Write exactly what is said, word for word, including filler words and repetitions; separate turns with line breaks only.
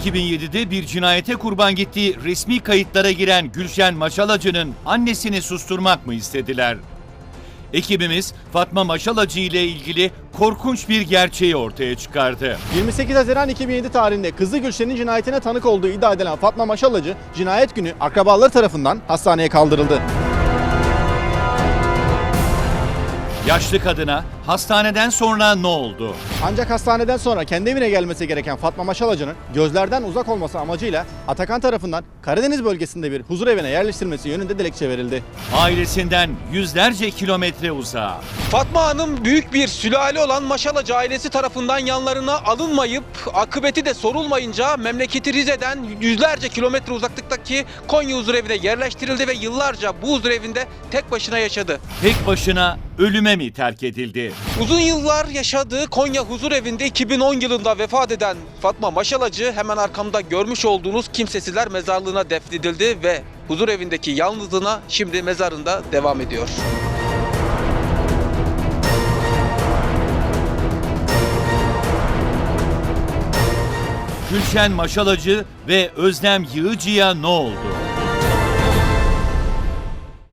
iki bin yedide bir cinayete kurban gittiği resmi kayıtlara giren Gülşen Maşalacı'nın annesini susturmak mı istediler? Ekibimiz Fatma Maşalacı ile ilgili korkunç bir gerçeği ortaya çıkardı.
yirmi sekiz Haziran iki bin yedi tarihinde kızı Gülşen'in cinayetine tanık olduğu iddia edilen Fatma Maşalacı, cinayet günü akrabaları tarafından hastaneye kaldırıldı.
Yaşlı kadına hastaneden sonra ne oldu?
Ancak hastaneden sonra kendi evine gelmesi gereken Fatma Maşalacı'nın gözlerden uzak olması amacıyla Atakan tarafından Karadeniz bölgesinde bir huzur evine yerleştirilmesi yönünde dilekçe verildi.
Ailesinden yüzlerce kilometre uzağa.
Fatma Hanım büyük bir sülale olan Maşalacı ailesi tarafından yanlarına alınmayıp akıbeti de sorulmayınca memleketi Rize'den yüzlerce kilometre uzaklıktaki Konya Huzurevine yerleştirildi ve yıllarca bu huzurevinde tek başına yaşadı.
Tek başına ölüme mi terk edildi?
Uzun yıllar yaşadığı Konya Huzurevinde iki bin on yılında vefat eden Fatma Maşalacı hemen arkamda görmüş olduğunuz kimsesizler mezarlığına defnedildi ve huzurevindeki yalnızlığına şimdi mezarında devam ediyor.
Gülşen Maşalacı ve Özlem Yığıcı'ya ne oldu?